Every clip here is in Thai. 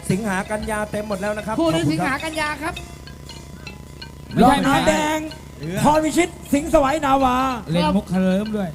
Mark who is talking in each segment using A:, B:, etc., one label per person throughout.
A: สิงหากันยาเต็มหมดแล้วนะครับ
B: คู่นี้สิงหากันยาครับ
C: ไม่ใช่น้ำแดงพรวิชิตสิงห์สวัยนาวา
D: เล่นมุกเคลิ้มด้วย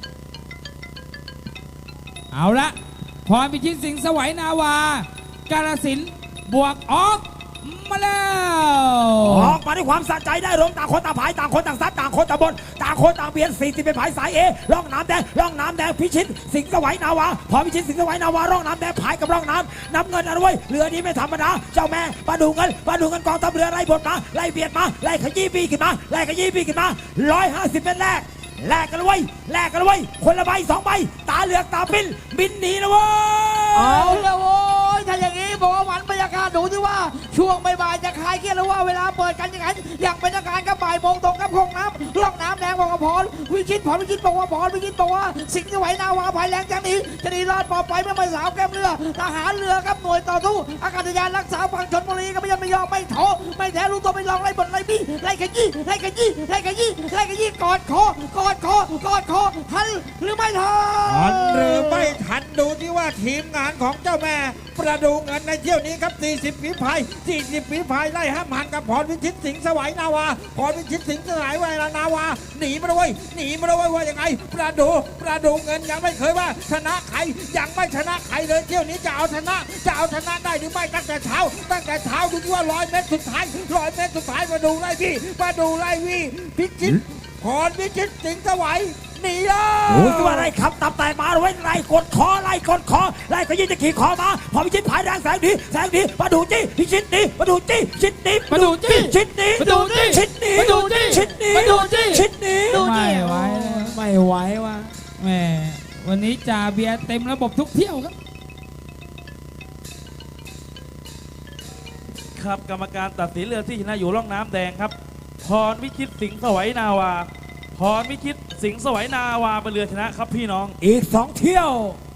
D: เอาละพรพิชิตสิงห์สวัยนาวากาฬสินธุ์บวกออกมาแล้ว
C: ออกมาด้วยความสะใจได้ลงต่างคนต่างผายต่างคนต่างซัดต่างคนต่างบนต่างคนต่างเบียด40เป็นผายสายเอร่องน้ำแดงร่องน้ำแดงพิชิตสิงห์สวัยนาวาพรพิชิตสิงห์สวัยนาวาร่องน้ำแดงผายกับร่องน้ำน้ำเงินอะไรเว้ยเรือนี้ไม่ธรรมดาเจ้าแม่ปลาดูเงินกองทัพเรือไล่บดมาไล่เบียดมาไล่ขยี้ปีขึ้นมาไล่ขยี้ปีขึ้นมา150เป็นแรกกันเลยเว้ยคนละใบ2ใบตาเหลือกตาปิ้นบินหนีนะเว้ย
B: เอาเลยโว้ยถ้าอย่างนี้บอกว่าหวันบรรยากาศดูที่ว่าช่วงบ่ายๆจะคลายเครียดหรือว่าเวลาเปิดกันอย่างนั้นอย่างเป็นทางการกับบ่ายโมงตรงกับคงน้ำร่องน้ำแดงบอกว่าพรวิชิตบอกว่าสิงห์สวัยนาวาภายแรงจังนี้จะหนีรอดปลอดภัยไม่มาสาวแก้มเรือทหารเรือครับหน่วยต่อสู้อากาศยานรักษาฝั่งชลบุรีก็ไม่ยอมไม่ท้อไม่แท้รู้ตัวไม่ลองไล่บนไล่บี้ไล่ขยี้กอดคอทันหรือไม่ทัน
E: ทันหรือไม่ทันดูที่ว่าทีมงานของเจ้าแม่ประดูเงินในเที่ยวนี้ครับ40 ฝีพายไล่ห้ามหันกับพรวิชิตสิงห์สวัยนาวาพรวิชิตสิงห์สวัยนาวาหนีมาด้วยว่ายังไงประดูเงินยังไม่เคยว่าชนะใครยังไม่ชนะใครเลยเที่ยวนี้จะเอาชนะได้หรือไม่ตั้งแต่เช้าดูที่ว่า100 เมตรสุดท้ายมาดูไล่วี่พิชิตพรวิชิตสิงห์สวัยหนีแล้ว
C: โอ้ยว่าอะไรครับตับแต่มาไว้ไล่กดคอไล่ก็ยิ่งจะขี่คอมาพอพิชิตผายแรงแสงดีมาดูจี้พิชิตดีมาดูจี้ชิดดีมาดูจี้ชิดดีมาดูจี้ชิดดีมาดูจี้ชิดดีมาดูจี้ชิดดี
D: ไม่ไหวว่ะแหมวันนี้จ่าเบียร์เต็มระบบทุกเที่ยวครับ
F: ครับกรรมการตัดสินเรือที่ชนะอยู่ร่องน้ำแดงครับพรวิชิตสิงห์สวัยนาวาพรวิชิตสิงห์สวัยนาวาเป็นเรือชนะครับพี่น้อง
C: อีก2 เที่ยว